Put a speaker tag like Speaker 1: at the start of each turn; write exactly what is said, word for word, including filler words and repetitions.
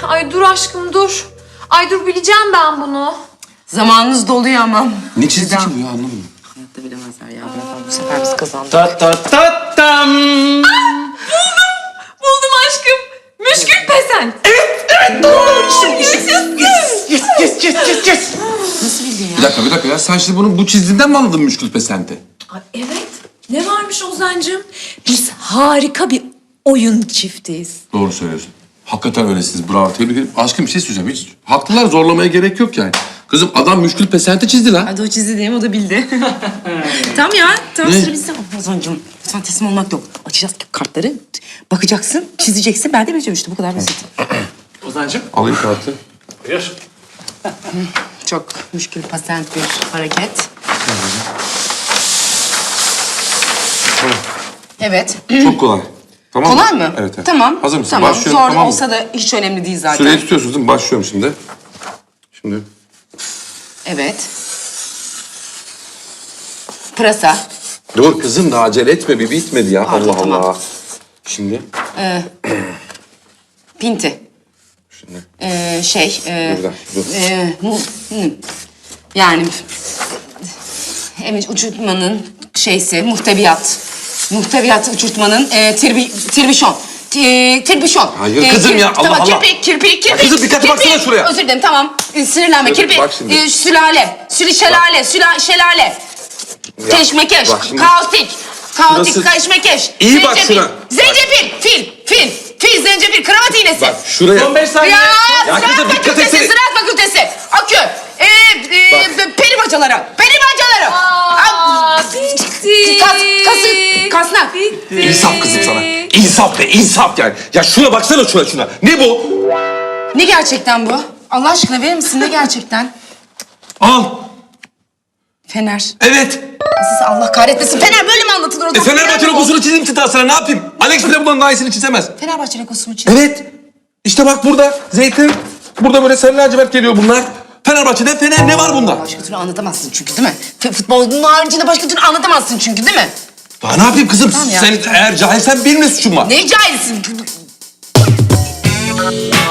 Speaker 1: Ay dur aşkım dur. Ay dur bileceğim ben bunu.
Speaker 2: Zamanınız doluyor ama.
Speaker 3: Ne çizdi ki bu ya, anlamadım.
Speaker 2: Hayatta bilemezler ya. Bu sefer biz kazandık.
Speaker 3: Ta ta ta tam.
Speaker 1: Buldum aşkım. Müşkül pesent.
Speaker 3: Yes, yes, yes, yes.
Speaker 2: Nasıl bildin ya?
Speaker 3: Bir dakika, bir dakika ya. Sen şimdi bunu bu çizdiğinden mi anladın müşkül pesente?
Speaker 4: Ay evet. Ne varmış Ozan'cığım? Biz harika bir oyun çiftiyiz.
Speaker 3: Doğru söylüyorsun. Hakikaten öylesiniz. Bravo. Tebrik ederim. Aşkım bir şey söyleyeceğim. Hiç haklılar, zorlamaya gerek yok yani. Kızım adam müşkül pesente çizdi lan.
Speaker 2: Hadi o çizdi değil mi? O da bildi. Tamam ya. Tamam
Speaker 3: Ne?
Speaker 2: sıra bizde. Ozan'cığım sen teslim olmak yok. Açacağız kartları. Bakacaksın, çizeceksin. Ben de bileceğim işte. Bu kadar basit.
Speaker 5: Ozan'cığım.
Speaker 3: Alayım kartı.
Speaker 5: Buyur.
Speaker 2: Çok müşkül pasent bir hareket. Evet.
Speaker 3: Çok kolay. Tamam
Speaker 2: Kolay mı?
Speaker 3: Evet, evet.
Speaker 2: Tamam.
Speaker 3: Hazır mısın?
Speaker 2: Tamam.
Speaker 3: Başlıyorum,
Speaker 2: Zor
Speaker 3: tamam mı?
Speaker 2: olsa da hiç önemli değil zaten.
Speaker 3: Süreyi tutuyorsunuz değil mi? Başlıyorum şimdi. Şimdi.
Speaker 2: Evet. Pırasa.
Speaker 3: Dur kızım da acele etme. Bir bitmedi ya.
Speaker 2: Pardon,
Speaker 3: Allah
Speaker 2: tamam.
Speaker 3: Allah. Şimdi.
Speaker 2: Pinti.
Speaker 3: Şimdi.
Speaker 2: Ee, şey. E,
Speaker 3: Dur, dur, dur.
Speaker 2: e, mu- hı. Yani evet, uçurtmanın şeysi muhteviyat. Muhteviyat uçurtmanın e, tirbi, tirbişon. E, tirbişon.
Speaker 3: Hayır kızım ya, Allah
Speaker 2: tamam,
Speaker 3: Allah.
Speaker 2: Kirpi, kirpi, kirpi.
Speaker 3: Ya kızım, dikkatli
Speaker 2: kirpi.
Speaker 3: baksana şuraya.
Speaker 2: Özür dilerim, tamam. E, sinirlenme,
Speaker 3: Dur,
Speaker 2: kirpi.
Speaker 3: bak şimdi.
Speaker 2: E, sülale, sülü şelale, süla, şelale.
Speaker 3: Ya,
Speaker 2: Keşmekeş,
Speaker 3: bak şimdi.
Speaker 2: kaotik, kaotik,
Speaker 3: Şurası-
Speaker 2: keşmekeş.
Speaker 3: İyi bak
Speaker 2: zencefil,
Speaker 3: şuna.
Speaker 2: Zencefil, fil, fil, fil, zencefil, kravat iğnesi.
Speaker 3: Bak şuraya.
Speaker 5: Son beş saniye.
Speaker 2: Ya,
Speaker 3: Ya
Speaker 2: ziraat
Speaker 3: kızım, dikkat
Speaker 2: fakültesi,
Speaker 3: etsene.
Speaker 2: ziraat fakültesi, akü, e, e,
Speaker 3: Bak.
Speaker 2: peri bacaları, peri bacaları.
Speaker 1: Aa bitti.
Speaker 2: Kas, kası, kasnak.
Speaker 1: Bitti.
Speaker 3: İnsaf kızım sana. İnsaf be, insaf yani. Ya şuna baksana şuna şuna. Ne bu?
Speaker 2: Ne gerçekten bu? Allah aşkına verir misin ne gerçekten?
Speaker 3: Al.
Speaker 2: Fener.
Speaker 3: Evet.
Speaker 2: Siz Allah kahretmesin. Fener böyle mi anlatılır o
Speaker 3: E
Speaker 2: zaman?
Speaker 3: Fenerbahçe
Speaker 2: Fener mi bu?
Speaker 3: logosunu çizdim ki daha sana, ne yapayım? Alex bile bundan daha iyisini çizemez.
Speaker 2: Fenerbahçe logosu mu çizdin?
Speaker 3: Evet. İşte bak burada zeytin. Burada böyle sarı lacivert geliyor bunlar. Fenerbahçe'de Fener, ne var bunda?
Speaker 2: Başka türlü anlatamazsın çünkü değil mi? F- Futbolun haricinde başka türlü anlatamazsın çünkü değil mi?
Speaker 3: Daha ne yapayım kızım?
Speaker 2: Tamam ya.
Speaker 3: Sen eğer cahilsen benim ne suçum var?
Speaker 2: Ne cahilsin?